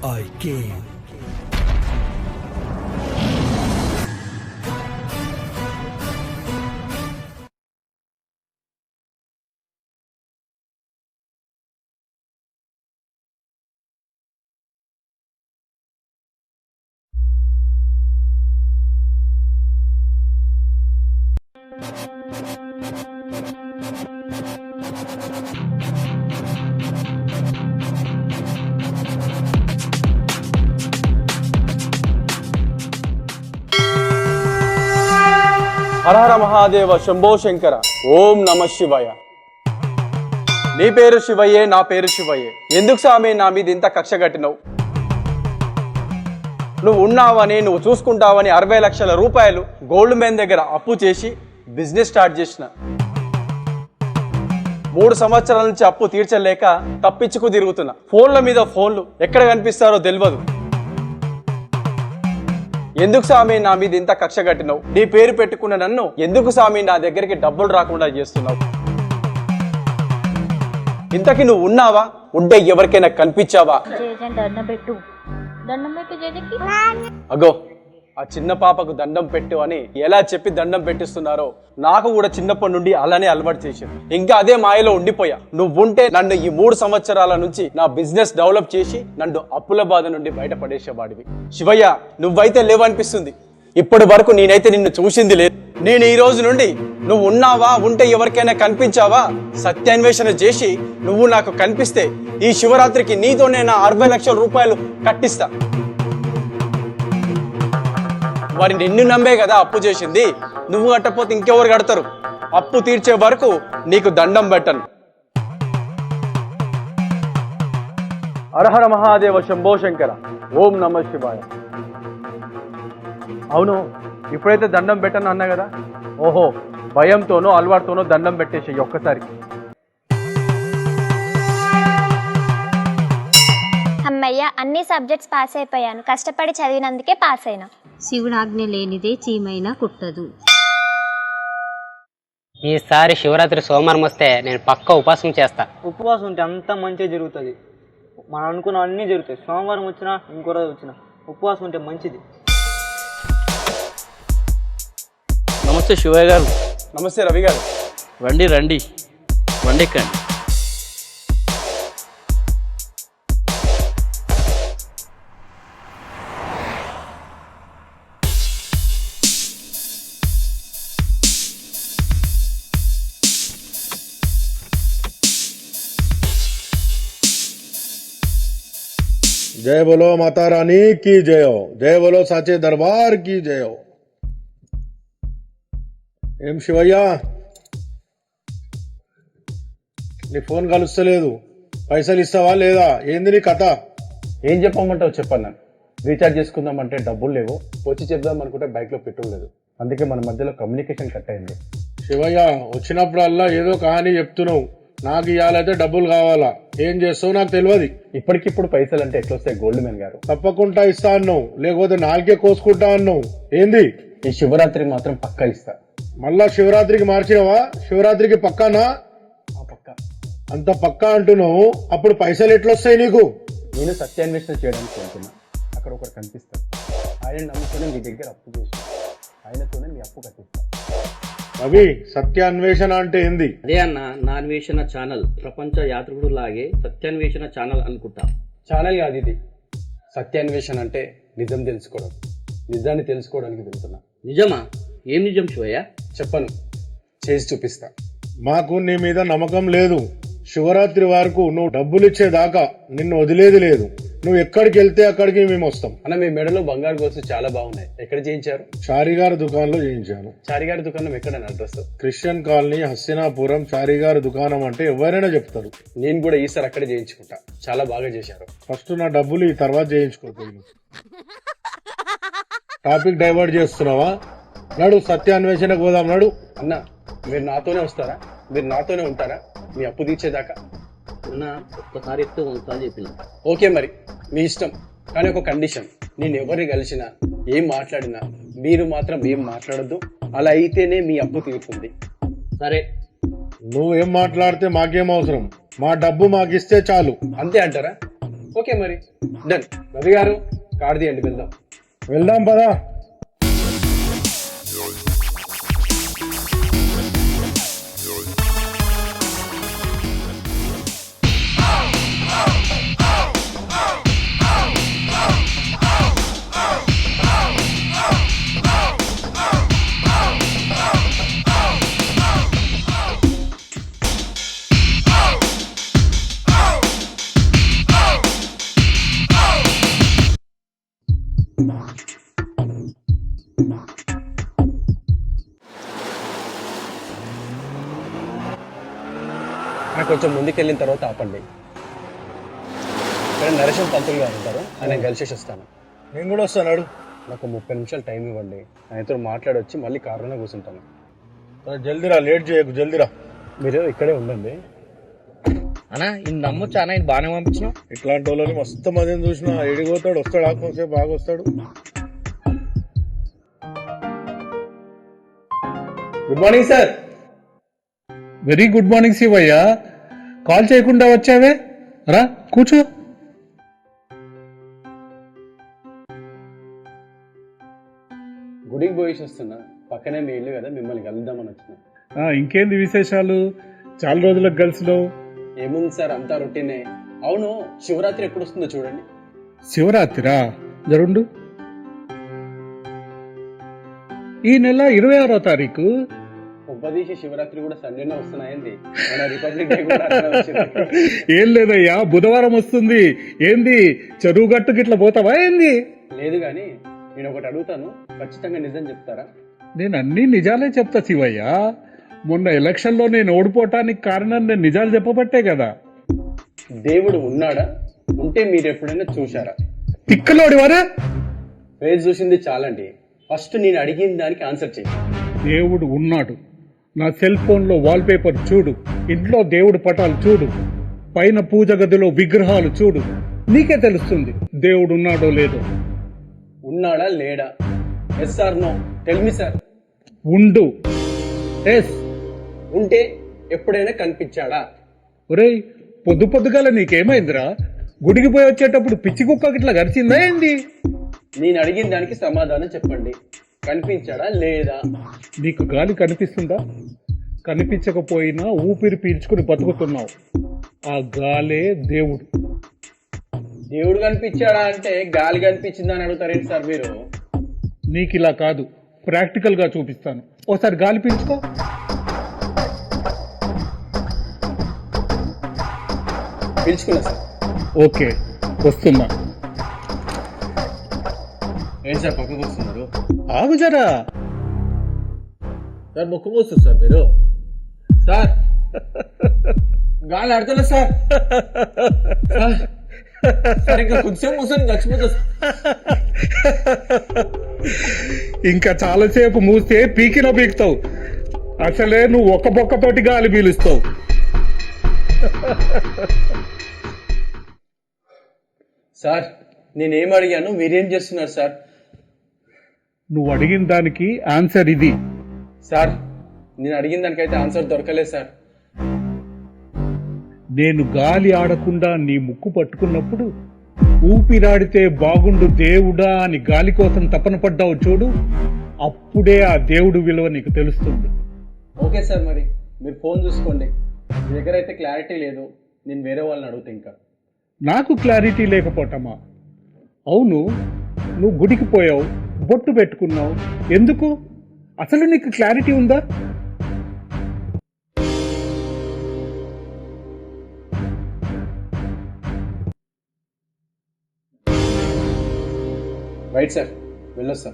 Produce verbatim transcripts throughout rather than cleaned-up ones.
I came. హర హర మహాదేవ శంభో శంకర ఓం నమ శివాయ. నీ పేరు శివయ్యే, నా పేరు శివయ్యే. ఎందుకు స్వామి నా మీద ఇంత కక్ష కట్టినవు? నువ్వు ఉన్నావని, నువ్వు చూసుకుంటావని అరవై లక్షల రూపాయలు గోల్డ్ మ్యాన్ దగ్గర అప్పు చేసి బిజినెస్ స్టార్ట్ చేసిన. మూడు సంవత్సరాల నుంచి అప్పు తీర్చలేక తప్పించుకు తిరుగుతున్నా. ఫోన్ల మీద ఫోన్లు ఎక్కడ కనిపిస్తారో తెలియదు. ఎందుకు స్వామి నా మీద ఇంత కక్ష కట్టినావు? నీ పేరు పెట్టుకున్న నన్ను ఎందుకు స్వామి నా దగ్గరికి డబ్బులు రాకుండా చేస్తున్నావు? ఇంతకి నువ్వు ఉన్నావా? ఉంటే ఎవరికైనా కనిపించావా? అగో ఆ చిన్న పాపకు దండం పెట్టు అని ఎలా చెప్పి దండం పెట్టిస్తున్నారో నాకు కూడా చిన్నప్పటి నుండి అలానే అలవాటు చేశాను. ఇంకా అదే మాయలో ఉండిపోయా. నువ్వుంటే నన్ను ఈ మూడు సంవత్సరాల నుంచి నా బిజినెస్ డెవలప్ చేసి నన్ను అప్పుల బాధ నుండి బయటపడేసేవాడివి. శివయ్య, నువ్వైతే లేవనిపిస్తుంది. ఇప్పటి వరకు నేనైతే నిన్ను చూసింది లేదు. నేను ఈ రోజు నుండి నువ్వు ఉన్నావా, ఉంటే ఎవరికైనా కనిపించావా సత్యాన్వేషణ చేసి నువ్వు నాకు కనిపిస్తే ఈ శివరాత్రికి నీతోనే నా అరవై లక్షల రూపాయలు కట్టిస్తా. వారి నిన్ను నమ్మే కదా అప్పు చేసింది. నువ్వు కట్టకపోతే ఇంకెవరు కడతారు? అప్పు తీర్చే వరకు నీకు దండం పెట్టను. హరహర మహాదేవ శంభో శంకర ఓం నమ శివాయ. అవును, ఇప్పుడైతే దండం పెట్టను అన్నా కదా. ఓహో, భయంతోనో అలవాటుతోనో దండం పెట్టేసి ఒక్కసారి. అమ్మయ్య, అన్ని సబ్జెక్ట్స్ పాస్ అయిపోయాను. కష్టపడి చదివినందుకే పాస్ అయినా. శివుడాజ్ఞ లేనిదే చీమైనా కుట్టదు. ఈసారి శివరాత్రి సోమవారం వస్తే నేను పక్క ఉపవాసం చేస్తా. ఉపవాసం ఉంటే అంతా మంచిగా జరుగుతుంది. మనం అనుకున్న అన్నీ జరుగుతాయి. సోమవారం వచ్చినా ఇంకో రోజు వచ్చినా ఉపవాసం ఉంటే మంచిది. నమస్తే శివయ్య గారు. నమస్తే రవి గారు. రండి రండి వండెక్కండి. जय बोलो माता रानी की जय हो. जय बोलो साचे दरबार की जय हो. ఏం శివయ్య, నీ ఫోన్ కలుస్తలేదు. పైసలు ఇస్తావా లేదా? ఏంది నీ కథ? ఏం చెప్పమంటావు చెప్పన్నా. రీఛార్జ్ చేసుకుందామంటే డబ్బులు లేవు. వచ్చి చెప్దాం అనుకుంటే బైక్ లో పెట్రోల్ లేదు. అందుకే మన మధ్యలో కమ్యూనికేషన్ కట్ అయింది. శివయ్య, వచ్చినప్పుడల్లా ఏదో కహాని చెప్తున్నావు. నాకు ఇవ్వాలైతే డబ్బులు కావాలా. ఏం చేస్తావు నాకు తెలియదు. ఇప్పటికిప్పుడు పైసలు అంటే ఎట్లొస్తాయి గోల్డ్ మ్యాన్ గారు? తప్పకుండా ఇస్తా అన్నావు, లేకపోతే నాలుగే కోసుకుంటా అన్నావు. ఏంది? ఈ శివరాత్రికి మాత్రం పక్కా ఇస్తా. మళ్ళా శివరాత్రికి మార్చినవా? శివరాత్రికి పక్కానా? పక్కా. అంత పక్కా అంటున్నావు, అప్పుడు పైసలు ఎట్లొస్తాయి నీకు? నేను సత్యాన్వేషణ చేయడానికి వెళ్తున్నా. అక్కడ ఒకరు కనిపిస్తారు. ఆయన నమ్ముకుని మీ దగ్గర అప్పు చేసి ఆయనతోనే మీ అప్పు కట్టిస్తా. రవి, సత్యాన్వేషణ అంటే ఏంది? అదే అన్న, నా అన్వేషణ ఛానల్. ప్రపంచ యాత్రికుడు లాగే సత్యాన్వేషణ ఛానల్ అనుకుంటా. ఛానల్ కాదు ఇది. సత్యాన్వేషణ అంటే నిజం తెలుసుకోవడం. నిజాన్ని తెలుసుకోవడానికి వెళ్తున్నా. నిజమా? ఏం నిజం శివయ్య? చెప్పను, చేసి చూపిస్తా. మాకు నీ మీద నమ్మకం లేదు. శివరాత్రి వరకు నువ్వు డబ్బులు ఇచ్చేదాకా నిన్ను వదిలేది లేదు. నువ్వు ఎక్కడికి వెళ్తే అక్కడికి మేము వస్తాం. అన్న, మీ మెడలో బంగారు గొలుసు చాలా బాగున్నాయి. ఎక్కడ చేయించారు? చారిగారి దుకాణంలో చేయించాను. చారిగారి దుకాణం ఎక్కడ అడ్రస్? Christian colony, Hastinapuram. చారిగారి దుకాణం అంటే ఎవరైనా చెప్తారు. నేను కూడా ఈసారి అక్కడే చేయించుకుంటా. చాలా బాగా చేశారు. ఫస్ట్ నా డబ్బులు ఈ తర్వాత చేయించుకోవాలి. టాపిక్ డైవర్ట్ చేస్తున్నావా? నడు, సత్యాన్వేషణకు పోదాం. నడు. అన్న, మీరు నాతోనే వస్తారా? మీరు నాతోనే ఉంటారా మీ అప్పు తీర్చేదాకా? అన్న, ఒక్కసారి ఎత్తు ఒకసారి చెప్పిన. ఓకే, మరి మీ ఇష్టం. కానీ ఒక కండిషన్, నేను ఎవరిని కలిసినా ఏం మాట్లాడినా మీరు మాత్రం ఏం మాట్లాడద్దు. అలా అయితేనే మీ అప్పు తీరుతుంది. సరే. నువ్వేం మాట్లాడితే మాకేం అవసరం? మా డబ్బు మాకిస్తే చాలు. అంతే అంటారా? ఓకే మరి డన్. రవి గారు కార్డు తీయండి, వెళ్దాం. వెళ్దాం పదా. నాకు కొంచెం ముందుకెళ్ళిన తర్వాత ఆపండి. ఇక్కడ నరేషన్ పంతులు గారు ఉంటారు, ఆయన కలిసేసి వస్తాను. నేను కూడా వస్తాను. నాకు ముప్పై నిమిషాలు టైం ఇవ్వండి, ఆయనతో మాట్లాడొచ్చి మళ్ళీ కారులోనే కూర్చుంటాను. జల్దీరా, లేట్ చేయకు, జల్దీరా. మీరు ఇక్కడే ఉండండి. అన్నా ఇది నమ్మొచ్చు అన్న, ఇది బాగానే పంపించినావు. ఇట్లాంటి వాళ్ళని మస్తు మందిని చూసినా. ఎడిపోతాడు, వస్తాడు, ఆత్మసేపు బాగా వస్తాడు. Good morning sir. Very good morning Shivayya. Call చేయకుండా వచ్చావే, రా కూర్చో. గుడికి పోయేసి వస్తున్నా, పక్కనే మీ ఇల్లు కదా, మిమ్మల్ని కలుద్దామని వచ్చిన. ఆ, ఇంకేంది విశేషాలు? చాలా రోజులకు కలిసిలో. ఏముంది సార్, అంతా రొటీనే. అవును, శివరాత్రి ఎప్పుడు వస్తుందో చూడండి. శివరాత్రిరా, జరుండు. ఈ నెల ఇరవై ఆరో తారీఖు. ఉపదేశి శివరాత్రి కూడా సండేనే వస్తున్నాయండి. మన రిపబ్లిక్ డే కూడా అట్లనే వచ్చింది. ఏం లేదయ్యా, బుధవారం వస్తుంది. ఏంది చెరువు గట్టుకి ఇట్లా పోతావా ఏంది? లేదు కానీ నేను ఒకటి అడుగుతాను, ఖచ్చితంగా నిజం చెప్తారా? నేను అన్ని నిజాలే చెప్తా శివయ్య. మొన్న ఎలక్షన్ లో నేను ఓడిపోవటానికి కారణం నేను నిజాలు చెప్పబట్టే కదా. దేవుడు ఉన్నాడా? ఉంటే మీరు ఎప్పుడైనా చూశారా? తిక్కలోడివారా? ఫేస్ చూసింది చాలండి, ఫస్ట్ నేను అడిగిన దానికి ఆన్సర్ చేయి. దేవుడు ఉన్నాడు. నా సెల్ ఫోన్ లో వాల్ పేపర్ చూడు, ఇంట్లో దేవుడు పటాలు చూడు, పైన పూజ గదిలో విగ్రహాలు చూడు, నీకే తెలుస్తుంది దేవుడు ఉన్నాడో లేదో. ఉన్నాడా లేడా? Yes or no, tell me sir. ఉండు. ఎస్. ఉంటే ఎప్పుడైనా కనిపించాడా? ఒరేయ్, పొద్దు పొద్దుగాల నీకేమైందిరా? గుడికి పోయి వచ్చేటప్పుడు పిచ్చి కుక్కకి ఇట్లా గరిచిందా ఏంది? నేను అడిగిన దానికి సమాధానం చెప్పండి, కనిపించాడా లేదా? నీకు గాలి కనిపిస్తుందా? కనిపించకపోయినా ఊపిరి పీల్చుకుని బతుకుతున్నావు. ఆ గాలే దేవుడు. దేవుడు కనిపించాడా అంటే గాలి కనిపించిందా అని అడుగుతారేంటి సార్ మీరు? నీకు ఇలా కాదు, ప్రాక్టికల్ గా చూపిస్తాను. ఓసారి గాలి పీల్చుకో. పిలుచుకున్నా సార్. ఓకే, వస్తున్నా. ఏంటి సార్ పక్కకు వస్తున్నారు? ఆగు జరా. సార్ ముక్కు మూస్తుంది సార్ మీరు. సార్ గాలి ఆడతలేదు సార్. సార్ ఇంకా కొంచెం మూసని చచ్చిపోతా. ఇంకా చాలాసేపు మూస్తే పీకిన పీకుతావు. అసలే నువ్వు ఒక్క బొక్కతోటి గాలి పీలుస్తావు. సార్ నేనేం అడిగాను, మీరేం చేస్తున్నారు సార్? నువ్వు అడిగిన దానికి ఆన్సర్ ఇది. సార్ నేను అడిగిన దానికైతే ఆన్సర్ దొరకలేదు సార్. నేను గాలి ఆడకుండా నీ ముక్కు పట్టుకున్నప్పుడు ఊపిరాడితే బాగుండు దేవుడా అని గాలి కోసం తపన పడ్డావు చూడు, అప్పుడే ఆ దేవుడు విలువ నీకు తెలుస్తుంది. ఓకే సార్, మరి మీరు ఫోన్ చూసుకోండి. మీ దగ్గర అయితే క్లారిటీ లేదు, నేను వేరే వాళ్ళని అడుగుతా. ఇంకా నాకు క్లారిటీ లేకపోవటమా? అవును, నువ్వు గుడికి పోయావు, బొట్టు పెట్టుకున్నావు, ఎందుకు? అసలు నీకు క్లారిటీ ఉందా? రైట్ సార్, వెళ్ళొస్తా.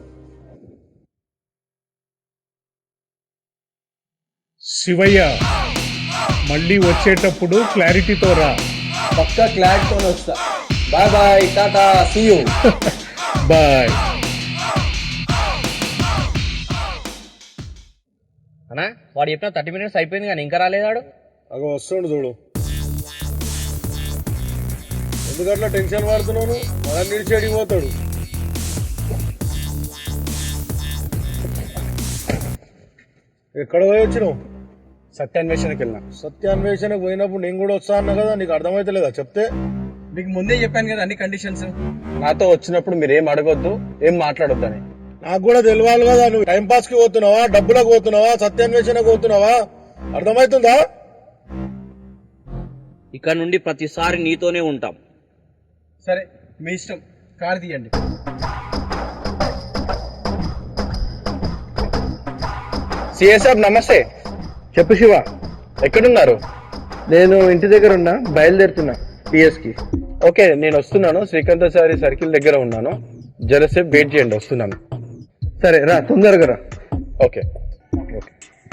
శివయ్య, మళ్ళీ వచ్చేటప్పుడు క్లారిటీతో రా. పక్కా క్లారిటీతో వస్తా. బాయ్ బాయ్, టాటా, సీ యూ. బాయ్. అన్నా వాడు చెప్పిన థర్టీ మినిట్స్ అయిపోయింది కానీ ఇంకా రాలేదాడు. అగో వస్తుండు చూడు. ఎందుకట్లా టెన్షన్ పడుతున్నాను? మనం నిలిచి అడిగిపోతాడు. ఎక్కడ పోయి వచ్చినావు? సత్యాన్వేషణకి వెళ్ళినా. సత్యాన్వేషణకు పోయినప్పుడు నేను కూడా వస్తా అన్నా కదా, నీకు అర్థమైతలేదా చెప్తే? మీకు ముందే చెప్పాను కదా అన్ని కండిషన్స్. నాతో వచ్చినప్పుడు మీరు ఏం అడగొద్దు, ఏం మాట్లాడొద్దు అని. నాకు కూడా తెలియాలి కదా, నువ్వు టైం పాస్ కి పోతున్నావా, డబ్బులకు పోతున్నావా, సత్యాన్వేషణకు పోతున్నావా, అర్థమవుతుందా? ఇక నుండి ప్రతిసారి నీతోనే ఉంటాం. సరే మీ ఇష్టం, కార్ తీయండి. సిఏ సాబ్ నమస్తే. చెప్పు శివ. ఎక్కడున్నారు? నేను ఇంటి దగ్గర ఉన్నా, బయలుదేరుతున్నా పిఎస్ కి. ఓకే నేను వస్తున్నాను, శ్రీకాంతాచారి సర్కిల్ దగ్గర ఉన్నాను, జరసేపు వెయిట్ చేయండి, వస్తున్నాను. సరే రా, తొందరగా రా. Okay okay.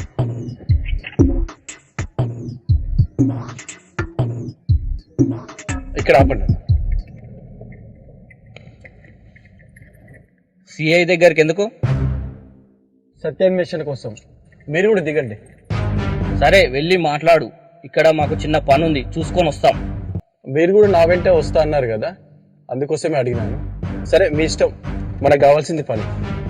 ఇక్కడ ఆపండి. సిఐ దగ్గరికి ఎందుకు? సత్యాన్వేషణ కోసం. మీరు కూడా దిగండి. సరే వెళ్ళి మాట్లాడు, ఇక్కడ మాకు చిన్న పని ఉంది, చూసుకొని వస్తాం. మీరు కూడా నా వెంటే వస్తా అన్నారు కదా, అందుకోసమే అడిగినాను. సరే మీ ఇష్టం, మనకు కావాల్సింది పని.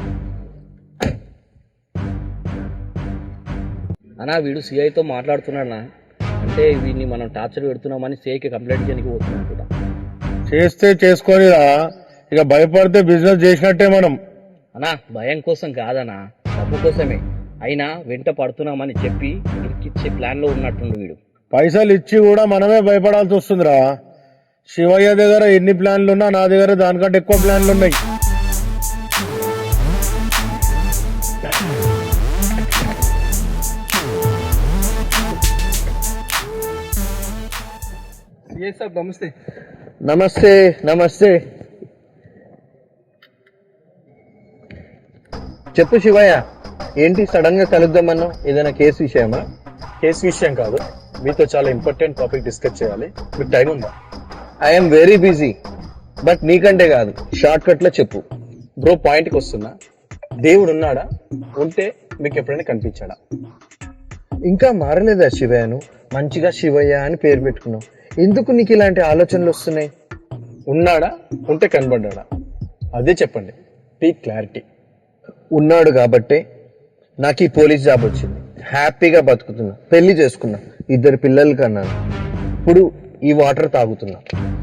అన్నా వీడు సిఐతో మాట్లాడుతున్నాడన్నా, అంటే వీడిని మనం టార్చర్ పెడుతున్నామని సిఐకి కంప్లైంట్ చేయడానికి పోతున్నాం కూడా. చేస్తే చేసుకొనిరా, ఇక భయపడితే బిజినెస్ చేసినట్టే మనం. అన్నా భయం కోసం కాదన్నా, డబ్బు కోసమే. అయినా వెంట పడుతున్నామని చెప్పి ఇరికిచ్చే ప్లాన్ లో ఉన్నట్టుండు వీడు. పైసలు ఇచ్చి కూడా మనమే భయపడాల్సి వస్తుందిరా. శివయ్య దగ్గర ఎన్ని ప్లాన్లు ఉన్నా నా దగ్గర దానికంటే ఎక్కువ ప్లాన్లు ఉన్నాయి. సిఏ సాబ్ నమస్తే. నమస్తే నమస్తే. చెప్పు శివయ్య, ఏంటి సడన్ గా కలుద్దామన్నావు? ఏదైనా కేసు విషయమా? కేసు విషయం కాదు, మీతో చాలా ఇంపార్టెంట్ టాపిక్ డిస్కస్ చేయాలి. మీకు టైం ఉందా? ఐఎమ్ వెరీ బిజీ, బట్ నీకంటే కాదు, షార్ట్ కట్ లో చెప్పు. బ్రో పాయింట్కి వస్తున్నా. దేవుడు ఉన్నాడా? ఉంటే మీకు ఎప్పుడైనా కనిపించాడా? ఇంకా మారలేదా శివయ్యను? మంచిగా శివయ్య అని పేరు పెట్టుకున్నావు, ఎందుకు నీకు ఇలాంటి ఆలోచనలు వస్తున్నాయి? ఉన్నాడా? ఉంటే కనబడ్డా? అదే చెప్పండి, పీ క్లారిటీ. ఉన్నాడు కాబట్టే నాకు ఈ పోలీస్ జాబ్ వచ్చింది, హ్యాపీగా బతుకుతున్నా, పెళ్లి చేసుకున్నా, ఇద్దరు పిల్లలు కన్నాను, ఇప్పుడు ఈ వాటర్ తాగుతున్నా.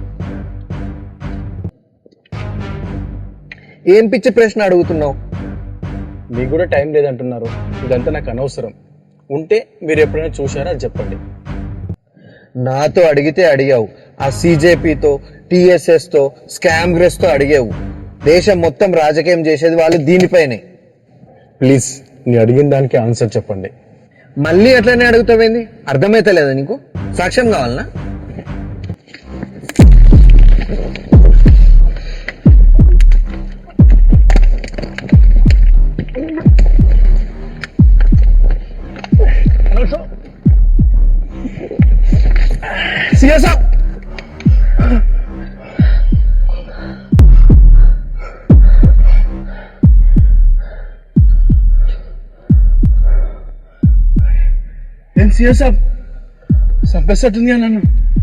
ఏం పిచ్చి ప్రశ్న అడుగుతున్నావు? మీకు కూడా టైం లేదంటున్నారు, ఇదంతా నాకు అనవసరం. ఉంటే మీరు ఎప్పుడైనా చూసారా అది చెప్పండి. నాతో అడిగితే అడిగావు, ఆ సీజేపీతో టీఎస్ఎస్ తో స్కామ్ గ్రెస్ తో అడిగావు. దేశం మొత్తం రాజకీయం చేసేది వాళ్ళు దీనిపైనే. ప్లీజ్ నీ అడిగిన దానికి ఆన్సర్ చెప్పండి. మళ్ళీ అట్లనే అడుగుతావేంది? అర్థమైతలేదా నీకు? సాక్ష్యం కావాలనా? సిఏ సాబ్ ఏం సిఏ సాబ్ చంపేస్తట్టుంది నన్ను.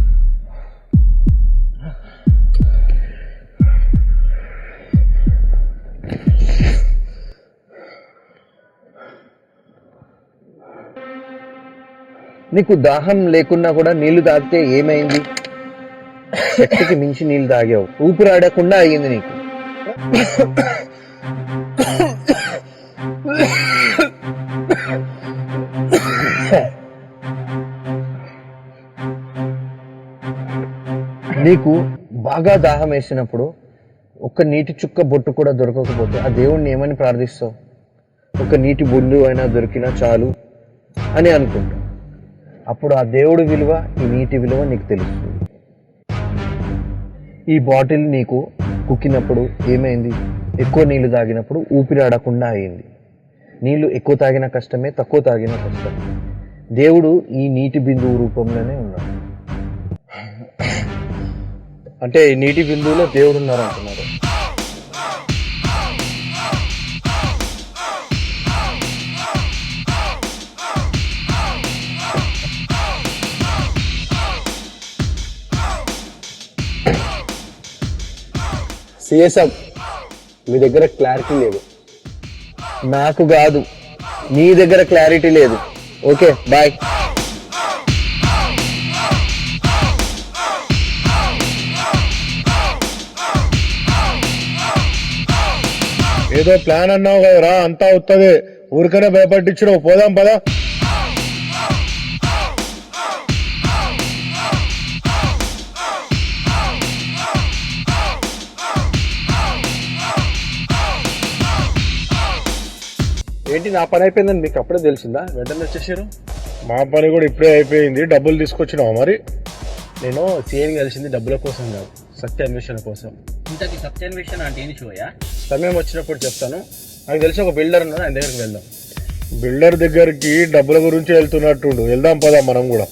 నీకు దాహం లేకున్నా కూడా నీళ్లు తాగితే ఏమైంది? శక్తికి మించి నీళ్లు తాగావు, ఊపిరాడకుండా అయ్యింది నీకు. నీకు బాగా దాహం వేసినప్పుడు ఒక్క నీటి చుక్క బొట్టు కూడా దొరకకపోతే ఆ దేవుణ్ణి ఏమని ప్రార్థిస్తావు? ఒక నీటి బొండు అయినా దొరికినా చాలు అని అనుకుంటావు. అప్పుడు ఆ దేవుడి విలువ, ఈ నీటి విలువ నీకు తెలుస్తుంది. ఈ బాటిల్ నీకు కుక్కినప్పుడు ఏమైంది? ఎక్కువ నీళ్లు తాగినప్పుడు ఊపిరాడకుండా అయింది. నీళ్లు ఎక్కువ తాగిన కష్టమే, తక్కువ తాగిన కష్టమే. దేవుడు ఈ నీటి బిందువు రూపంలోనే ఉన్నాడు. అంటే ఈ నీటి బిందువులో దేవుడు ఉన్నారు అంటున్నారు. సిఏ సాబ్ మీ దగ్గర క్లారిటీ లేదు. నాకు కాదు, నీ దగ్గర క్లారిటీ లేదు. Okay bye. ఏదో ప్లాన్ అన్నావు కదరా, అంతా వస్తుంది. ఊరికనే భయపట్టించినావు. పోదాం పదా. ఏంటి నా పని అయిపోయిందని మీకు అప్పుడే తెలిసిందా? వెంటనే వచ్చేసారు. మా పని కూడా ఇప్పుడే అయిపోయింది. డబ్బులు తీసుకొచ్చినావు మరి? నేను సీఎని కలిసింది డబ్బుల కోసం కాదు, సత్య అన్వేషణ కోసం. ఇంతకీ సత్యాన్వేషణ అంటే ఏంటి శివయ్య? సమయం వచ్చినప్పుడు చెప్తాను. నాకు తెలిసి ఒక బిల్డర్ ఉన్నాడు, ఆయన దగ్గరికి వెళ్దాం. బిల్డర్ దగ్గరికి డబ్బుల గురించి వెళ్తున్నట్టుండు. వెళ్దాం పదా మనం కూడా.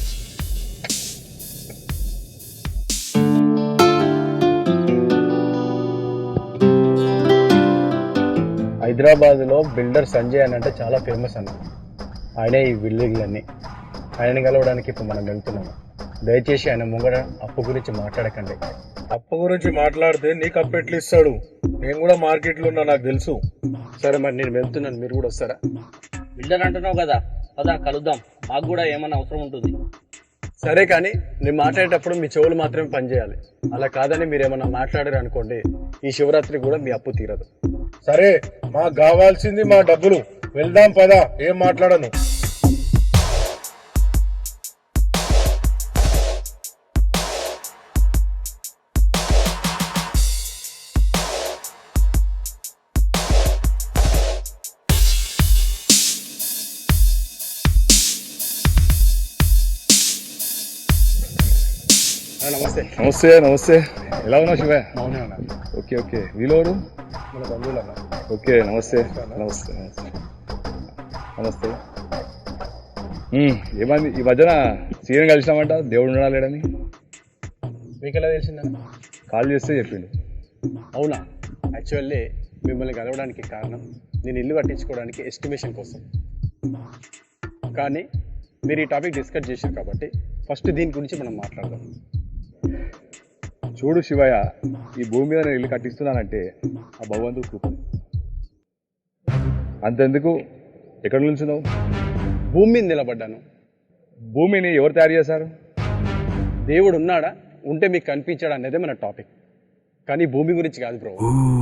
హైదరాబాద్లో బిల్డర్ సంజయ్ అని అంటే చాలా ఫేమస్ అన్న. ఆయనే ఈ బిల్డింగ్లన్నీ. ఆయనని కలవడానికి ఇప్పుడు మనం వెళ్తున్నాము. దయచేసి ఆయన ముంగడ అప్పు గురించి మాట్లాడకండి. అప్పు గురించి మాట్లాడితే నీకు అప్పు ఎట్లు ఇస్తాడు? నేను కూడా మార్కెట్లో ఉన్నా, నాకు తెలుసు. సరే మరి నేను వెళ్తున్నాను, మీరు కూడా వస్తారా? బిల్డర్ అంటున్నావు కదా, పదా కలుద్దాం. మాకు కూడా ఏమన్నా అవసరం ఉంటుంది. సరే, కానీ నేను మాట్లాడేటప్పుడు మీ చెవులు మాత్రమే పనిచేయాలి. అలా కాదని మీరు ఏమన్నా మాట్లాడారు అనుకోండి, ఈ శివరాత్రి కూడా మీ అప్పు తీరదు. సరే, మాకు కావాల్సింది మా డబ్బులు. వెళ్దాం పదా. ఏం మాట్లాడను. నమస్తే. నమస్తే నమస్తే ఎలా ఉన్నావు శివ? అవునా అన్న? Okay okay. వీలోరు మన బంధువులు అన్న. ఓకే నమస్తే నమస్తే నమస్తే నమస్తే. ఉమ్, ఏమైంది ఈ మధ్యన సీఎం కలిసినామంట, దేవుడు ఉండడా లేడని? మీకు ఎలా తెలిసిందన్న? కాల్ చేస్తే చెప్పిండు. అవునా? యాక్చువల్లీ మిమ్మల్ని కలవడానికి కారణం నేను ఇల్లు కట్టించుకోవడానికి ఎస్టిమేషన్ కోసం. కానీ మీరు ఈ టాపిక్ డిస్కస్ చేశారు కాబట్టి ఫస్ట్ దీని గురించి మనం మాట్లాడదాం. చూడు శివయ్య, ఈ భూమి మీద నేను ఇల్లు కట్టిస్తున్నానంటే ఆ భగవంతుడు కృప. అంతెందుకు, ఎక్కడి నుంచి నువ్వు? భూమి మీద నిలబడ్డాను. భూమిని ఎవరు తయారు చేశారు? దేవుడు ఉన్నాడా, ఉంటే మీకు కనిపించాడా అనేదే మన టాపిక్. కానీ భూమి గురించి కాదు bro.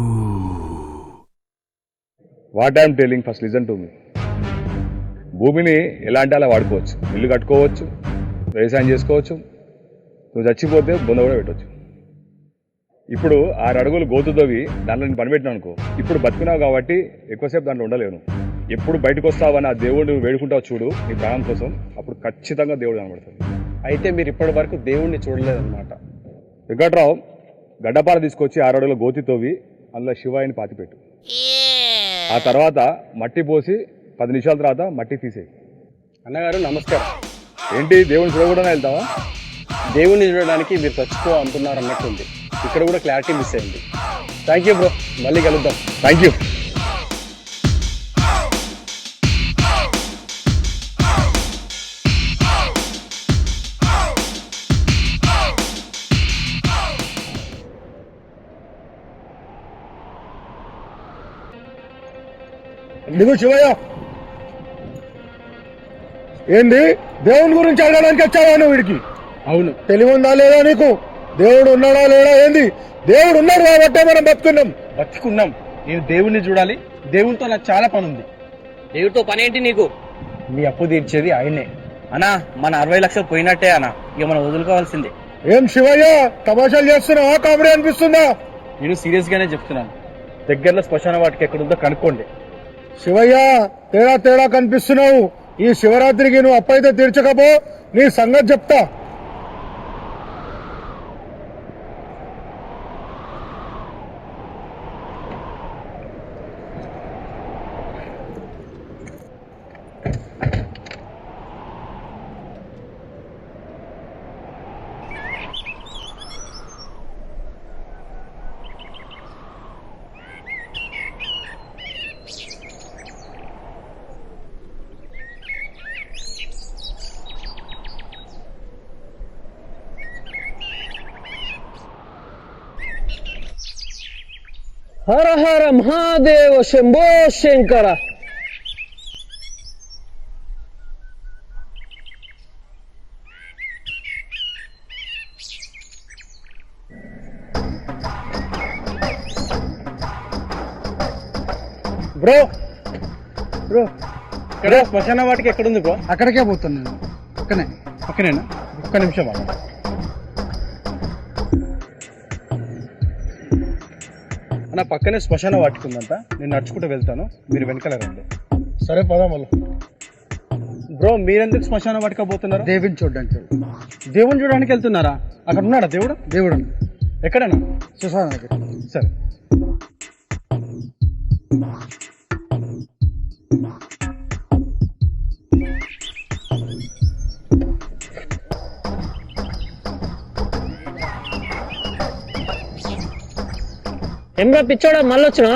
What I'm telling, first listen to me. భూమిని ఎలా అంటే అలా వాడుకోవచ్చు. ఇల్లు కట్టుకోవచ్చు, వ్యవసాయం చేసుకోవచ్చు, నువ్వు చచ్చిపోతే బొంద కూడా పెట్టవచ్చు. ఇప్పుడు ఆరు అడుగులు గోతు తవ్వి దాంట్లో నేను పనిపెట్టినా అనుకో, ఇప్పుడు బతుకున్నావు కాబట్టి ఎక్కువసేపు దాంట్లో ఉండలేను. ఎప్పుడు బయటకు వస్తావని ఆ దేవుడు వేడుకుంటావు చూడు నీ ప్రాణం కోసం, అప్పుడు ఖచ్చితంగా దేవుడు కనబడతాడు. అయితే మీరు ఇప్పటి వరకు దేవుణ్ణి చూడలేదన్నమాట. వెంకట్రావు గడ్డపార తీసుకొచ్చి ఆరు అడుగుల గోతి తవ్వి అందులో శివాయిని పాతిపెట్టు. ఆ తర్వాత మట్టి పోసి పది నిమిషాల తర్వాత మట్టి తీసేయి. అన్నగారు నమస్కారం. ఏంటి దేవుని చూడకుండా వెళ్తావా? దేవుణ్ణి చూడడానికి మీరు చచ్చిపో అంటున్నారు అన్నట్టుంది. ఇక్కడ కూడా క్లారిటీ మిస్ అయింది. థ్యాంక్ యూ బ్రో, మళ్ళీ కలుద్దాం. Thank you. నీకు శివయ్య ఏంది దేవుని గురించి అడగడానికి వచ్చావా నువ్వు వీడికి? అవును. తెలివి ఉందా లేదా నీకు? దేవుడు ఉన్నాడా లేడా? ఏంది? దేవుడు ఉన్నాడు కాబట్టే మనం బతుకున్నాం. బతుకున్నాం. నేను దేవుణ్ణి చూడాలి. దేవునితో నాకు చాలా పని ఉంది. దేవుడితో పని ఏంటి నీకు? మీ అప్పు తీర్చేది ఆయనే. అన్నా మన అరవై లక్షలు పోయినట్టే అన్న, ఇక మనం వదులుకోవాల్సిందే. ఏం శివయ్య తమాషాలు చేస్తున్నావా? కామెడీ అనిపిస్తుందా? నేను సీరియస్ గానే చెప్తున్నాను. దగ్గరలో శ్మశాన వాటికి ఎక్కడుందో కనుక్కోండి. శివయ్య తేడా తేడా కనిపిస్తున్నావు. ఈ శివరాత్రికి నువ్వు అప్పైతే తీర్చకపో నీ సంగతి చెప్తా. హర హర మహాదేవ శంభో శంకర. బ్రో బ్రో ఇక్కడ శ్మశాన వాటికి ఎక్కడుంది బ్రో? అక్కడికే పోతున్నాను పక్కనే పక్కనేనా? ఒక్క నిమిషం అన్న. అన్న పక్కనే శ్మశాన వాటికి ఉందంట, నేను నడుచుకుంటూ వెళ్తాను, మీరు వెనకాల రండి. సరే పదా మళ్ళీ. బ్రో మీరెందుకు శ్మశాన వాటికి పోతున్నారు? దేవుని చూడడానికి దేవుని చూడడానికి వెళ్తున్నారా? అక్కడ ఉన్నాడా దేవుడు? దేవుడు ఎక్కడన్నా? సుశాన దగ్గర. సరే. ఏమ్రా పిచ్చోడా మళ్ళీ వచ్చినా?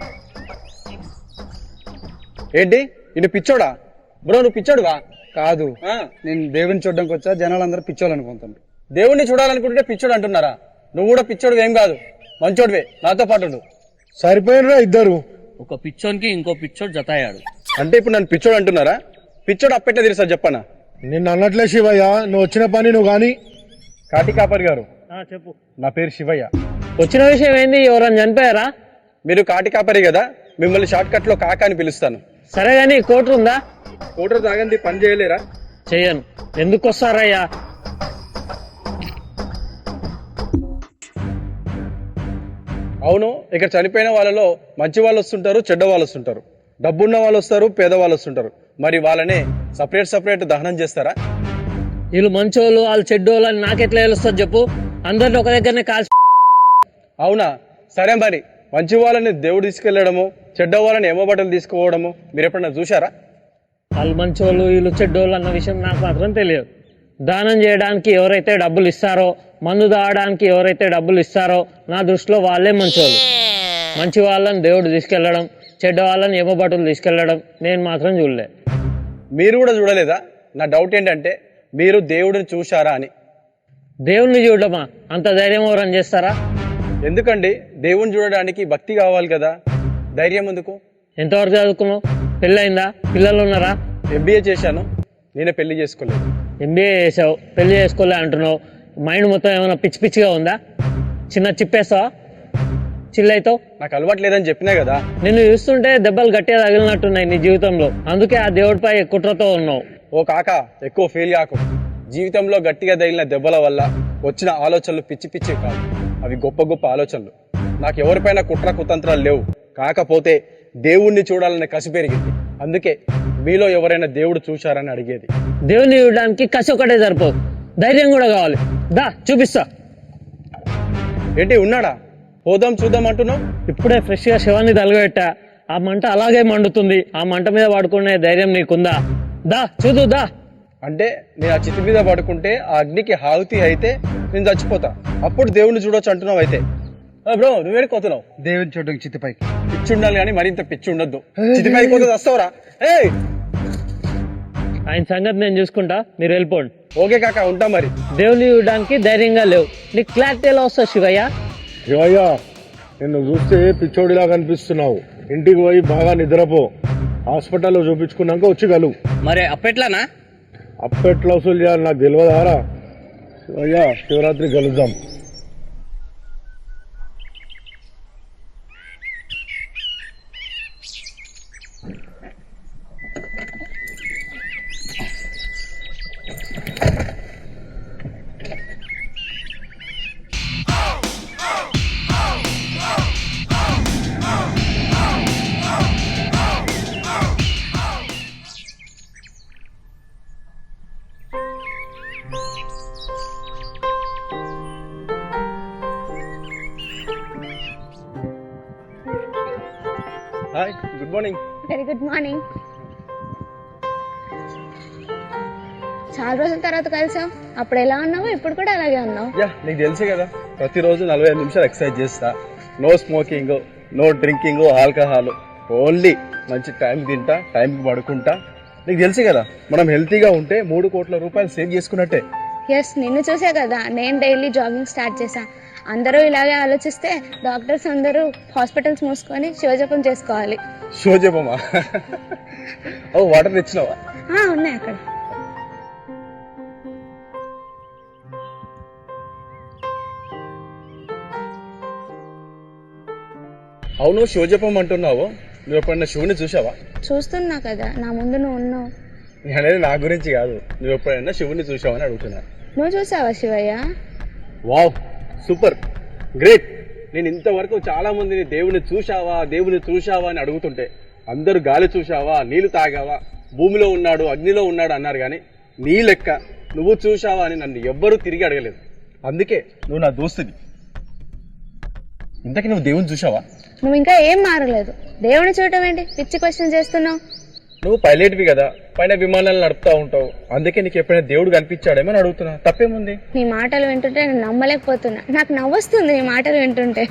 ఏంటి ఇది పిచ్చోడా? బ్రో నువ్వు పిచ్చోడువా? కాదు, నేను దేవుని చూడడానికి వచ్చా, జనాలు అందరూ పిచ్చోళ్ళు అనుకుంటాను. దేవుణ్ణి చూడాలనుకుంటే పిచ్చోడు అంటున్నారా? నువ్వు కూడా పిచ్చోడు ఏం కాదు, మంచోడివే, నాతో పాటు ఉండు. సరిపోయినరా ఇద్దరు? ఒక పిచ్చోనికి ఇంకో పిచ్చోడు జతాయాడు. అంటే ఇప్పుడు నన్ను పిచ్చోడు అంటున్నారా? పిచ్చోడు అప్పెట్లా తెలుసా చెప్పనా? నిన్ను అన్నట్లే శివయ్య, నువ్వు వచ్చిన పని నువ్వు కానీ. కాటి కాపరి గారు చెప్పు. నా పేరు శివయ్య. వచ్చిన విషయం ఏంది? ఎవరైనా చనిపోయారా? మీరు కాటి కాపరి కదా, మిమ్మల్ని షార్ట్ కట్ లో కాకా అని పిలుస్తాను. సరే గాని కోటర్ ఉందా? కోటర్ తాగంది పని చేయలేరా? చెయ్యను. ఎందుకు వస్తారయ్యా? అవును, ఇక్కడ చనిపోయిన వాళ్ళలో మంచి వాళ్ళు వస్తుంటారు, చెడ్డ వాళ్ళు వస్తుంటారు, డబ్బున్న వాళ్ళు వస్తారు, పేద వాళ్ళు వస్తుంటారు. మరి వాళ్ళనే సపరేట్ సపరేట్ దహనం చేస్తారా? వీళ్ళు మంచోళ్ళు వాళ్ళు చెడ్డోళ్ళు అని నాకెట్లా తెలుస్తుంది చెప్పు? అందరిని ఒక దగ్గరనే కాల్చి. అవునా? సరే మరి మంచి వాళ్ళని దేవుడు తీసుకెళ్లడము, చెడ్డ వాళ్ళని ఏమో బట్టలు తీసుకుపోవడము మీరు ఎప్పుడైనా చూసారా? వాళ్ళు మంచోళ్ళు వీళ్ళు చెడ్డోళ్ళు అన్న విషయం నాకు మాత్రం తెలియదు. దానం చేయడానికి ఎవరైతే డబ్బులు ఇస్తారో, మందు తాగడానికి ఎవరైతే డబ్బులు ఇస్తారో నా దృష్టిలో వాళ్ళే మంచోళ్ళు. మంచి వాళ్ళని దేవుడు తీసుకెళ్లడం, చెడ్డ వాళ్ళని ఏమో బట్టలు తీసుకెళ్లడం నేను మాత్రం చూడలే. మీరు కూడా చూడలేదా? నా డౌట్ ఏంటంటే మీరు దేవుడిని చూశారా అని. దేవుణ్ణి చూడమా? అంత ధైర్యం ఎవరని చేస్తారా? ఎందుకండి, దేవుణ్ణి చూడడానికి భక్తి కావాలి కదా, ధైర్యం ఎందుకు? ఎంతవరకు చదువుకున్నావు? పెళ్ళయిందా? పిల్లలు ఉన్నారా? ఎంబీఏ చేశాను, నేనే పెళ్లి చేసుకోలేదు. ఎంబీఏ చేసావు, పెళ్లి చేసుకోలే అంటున్నావు. మైండ్ మొత్తం ఏమైనా పిచ్చి పిచ్చిగా ఉందా? చిన్న చిప్పేస్తావా? చిల్లైతో నాకు అలవాటు లేదని చెప్పినా కదా. నిన్ను చూస్తుంటే దెబ్బలు గట్టిగా తగిలినట్టున్నాయి నీ జీవితంలో, అందుకే ఆ దేవుడిపై కుట్రతో ఉన్నావు. ఓ కాక, ఎక్కువ ఫెయిల్ కాకు. జీవితంలో గట్టిగా తగిలిన దెబ్బల వల్ల వచ్చిన ఆలోచనలు పిచ్చి పిచ్చి కాదు, అవి గొప్ప గొప్ప ఆలోచనలు. నాకు ఎవరిపైన కుట్ర కుతంత్రాలు లేవు, కాకపోతే దేవుణ్ణి చూడాలనే కసి పెరిగింది. అందుకే మీలో ఎవరైనా దేవుడు చూశారని అడిగేది. దేవుణ్ణి చూడడానికి కసి ఒకటే సరిపోదు, ధైర్యం కూడా కావాలి. దా చూపిస్తా. ఏంటి ఉన్నాడా? పోదాం చూద్దాం అంటున్నావు? ఇప్పుడే ఫ్రెష్ గా శివాన్ని తలగబెట్టా, ఆ మంట అలాగే మండుతుంది. ఆ మంట మీద పడుకునే ధైర్యం నీకుందా? దా చూదు దా. అంటే నేను ఆ చితి మీద పడుకుంటే ఆ అగ్నికి హావుతి అయితే నేను చచ్చిపోతా, అప్పుడు దేవుణ్ణి చూడొచ్చు అంటున్నావు. అయితే బ్రో నువ్వేడికి పోతున్నావు? దేవుని చూడడానికి చిత్తిపైకి. పిచ్చి ఉండాలి కానీ మరింత పిచ్చి ఉండొద్దు. చితి పైకి పోతే వస్తావురా? ఏయ్ ఆయన సంగతి నేను చూసుకుంటా, మీరు వెళ్ళిపోండి. ఓకే కాక, ఉంటా మరి. దేవుని చూడడానికి ధైర్యంగా లేవు, నీకు క్లారిటీ ఎలా వస్తుంది శివయ్య? శివయ్య, నిన్ను చూస్తే పిచ్చోడిలా కనిపిస్తున్నావు. ఇంటికి పోయి బాగా నిద్రపో, హాస్పిటల్లో చూపించుకున్నాక వచ్చి కలువు. మరి అప్పెట్లానా? అప్పెట్లా వసూలు చేయాలి నాకు తెలియదారా? శివయ్య, శివరాత్రి కలుద్దాం. Hi, good morning. Very good morning. చాలా రోజుల తర్వాత కలిసాం. అప్పుడు ఎలా ఉన్నావు, ఇప్పుడు కూడా అలాగే ఉన్నావు. యా, నీకు తెలుసే కదా, ప్రతిరోజు నలభై ఐదు నిమిషాలు ఎక్సర్సైజ్ చేస్తా. No smoking, no drinking, alcohol, only మంచి టైంకి తింటా, టైంకి పడుకుంటా. నీకు తెలుసు కదా, మనం హెల్తీగా ఉంటే మూడు కోట్ల రూపాయలు సేవ్ చేసుకున్నట్టే. ఎస్, నిన్ను చూసే కదా నేను డైలీ జాగింగ్ స్టార్ట్ చేశా. అందరూ ఇలాగే ఆలోచిస్తే డాక్టర్స్ అందరూ హాస్పిటల్స్ మూసుకొని శివజపం చేసుకోవాలి. శివజపమా? ఓ వాటర్ తెచ్చినావా? ఉన్నాయి అక్కడ. అవును, శివజపం అంటున్నావు, నువ్వు ఎప్పుడన్నా శివుని చూసావా? చూస్తున్నా కదా, నా ముందు నువ్వు ఉన్నావు. నేను అనేది నా గురించి కాదు, నువ్వు ఎప్పుడైనా శివుని చూసావా అని అడుగుతున్నా. నువ్వు చూసావా శివయ్య? Wow, super, great. నేను ఇంతవరకు చాలా మందిని దేవుని చూశావా దేవుని చూశావా అని అడుగుతుంటే అందరూ గాలి చూశావా, నీళ్లు తాగావా, భూమిలో ఉన్నాడు అగ్నిలో ఉన్నాడు అన్నారు, కానీ నీ లెక్క నువ్వు చూశావా అని నన్ను ఎవ్వరూ తిరిగి అడగలేదు. అందుకే నువ్వు నా దోస్తుని. ఇంతకీ నువ్వు దేవుని చూశావా? నువ్వు ఇంకా ఏం మారలేదు. దేవుని చూడటం ఏంటి పిచ్చి క్వశ్చన్ చేస్తున్నావు? నువ్వు పైలట్వి కదా, పైన విమానాలు నడుపుతా ఉంటావు, అందుకే నీకు ఎప్పుడైనా దేవుడు కనిపించాడేమో అని అడుగుతున్నా. తప్పేముంది? నీ మాటలు వింటుంటే నేను నమ్మలేకపోతున్నా. నాకు నవ్వొస్తుంది నీ మాటలు వింటుంటే.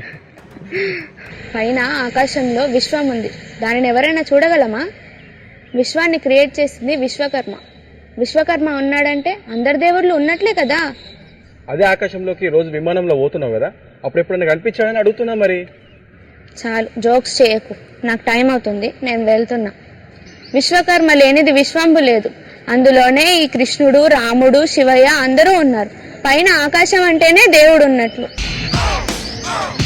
పైన ఆకాశంలో విశ్వం ఉంది, దానిని ఎవరైనా చూడగలమా? విశ్వాన్ని క్రియేట్ చేసింది విశ్వకర్మ. విశ్వకర్మ ఉన్నాడంటే అందరి దేవుళ్ళు ఉన్నట్లే కదా. అదే ఆకాశంలోకి రోజు విమానంలో పోతున్నావు కదా, అప్పుడు ఎప్పుడైనా కనిపించాడని అడుగుతున్నా. మరి చాలు, జోక్స్ చేయకు, నాకు టైం అవుతుంది, నేను వెళ్తున్నా. విశ్వకర్మ లేనిది విశ్వంబు లేదు, అందులోనే ఈ కృష్ణుడు, రాముడు, శివయ్య అందరూ ఉన్నారు. పైన ఆకాశం అంటేనే దేవుడు ఉన్నట్లు.